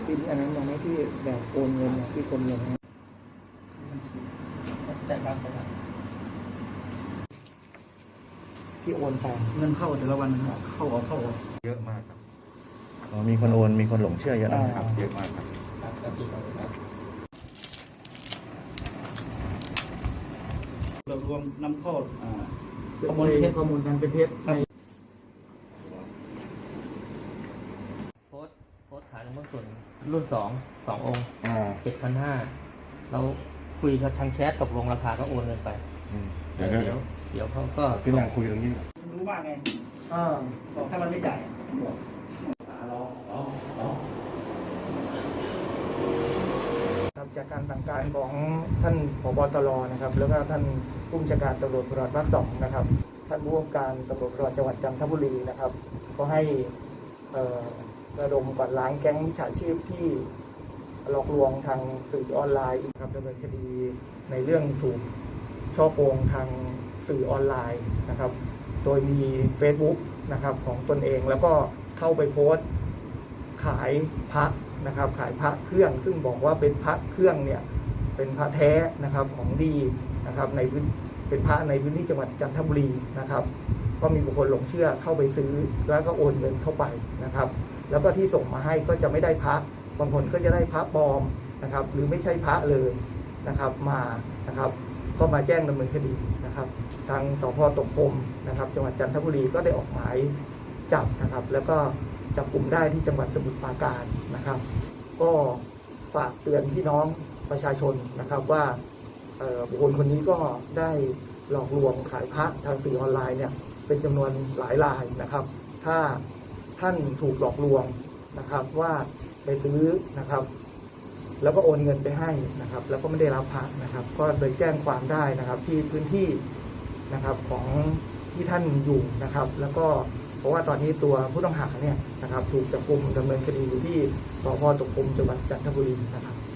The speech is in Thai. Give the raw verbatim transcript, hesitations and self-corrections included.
ที่อันนั้นยังไม่ที่แบบโอนเงินที่กรมเงินนะแต่บางคนที่โอนไปเงินเข้าแต่ละวันเข้าออกเข้าออกเยอะมากครับอ๋อมีคนโอนมีคนหลงเชื่อเยอะนะครับเยอะมากครับเรารวมนำเข้าข้อมูลเท็จข้อมูลการเป็นเท็จในโพสโพสขายหลวงพ่อส่วนรุ่นสองสององค์เจ็ดพันห้าเราคุยกับทางแชทตกลงราคาก็โอนเงินไปเดี๋ยวเดี๋ยวเดี๋ยวเขาก็ที่นั่งคุยตรงนี้รู้มากไงอ่าบอกถ้ามันไม่จ่ายบอกจากการสั่งการของท่านผบ.ตร.นะครับแล้วก็ท่านผู้บัญชาการตำรวจภูธรภาคสองนะครับท่านผู้ว่าการตำรวจภูธรจังหวัดจันทบุรีนะครับก็ให้ระดมกวาดล้างแก๊งมิจฉาชีพที่หลอกลวงทางสื่อออนไลน์ครับดำเนินคดีในเรื่องถูกช่อโกงทางสื่อออนไลน์นะครับโดยมี Facebook นะครับของตนเองแล้วก็เข้าไปโพสต์ขายพระนะครับขายพระเครื่องซึ่งบอกว่าเป็นพระเครื่องเนี่ยเป็นพระแท้นะครับของดีนะครับในเป็นพระในพื้นที่จังหวัดจันทบุรีนะครับก็มีบุคคลหลงเชื่อเข้าไปซื้อแล้วก็โอนเงินเข้าไปนะครับแล้วก็ที่ส่งมาให้ก็จะไม่ได้พระบางคนก็จะได้พระปลอมนะครับหรือไม่ใช่พระเลยนะครับมานะครับก็มาแจ้งดำเนินคดีนะครับทางสภ.ตกพรมนะครับจังหวัดจันทบุรีก็ได้ออกหมายจับนะครับแล้วก็จับกลุ่มได้ที่จังหวัดสมุทรปราการนะครับก็ฝากเตือนพี่น้องประชาชนนะครับว่าบุคคลคนนี้ก็ได้หลอกลวงขายพระทางสื่อออนไลน์เนี่ยเป็นจำนวนหลายรายนะครับถ้าท่านถูกหลอกลวงนะครับว่าไปซื้อนะครับแล้วก็โอนเงินไปให้นะครับแล้วก็ไม่ได้รับพระนะครับก็โดยแจ้งความได้นะครับที่พื้นที่นะครับของที่ท่านอยู่นะครับแล้วก็เพราะว่าตอนนี้ตัวผู้ต้องหาเนี่ยนะครับถูกจับกุมดำเนินคดีอยู่ที่สภ.ตกพรมจังหวัดจันทบุรีนะครับ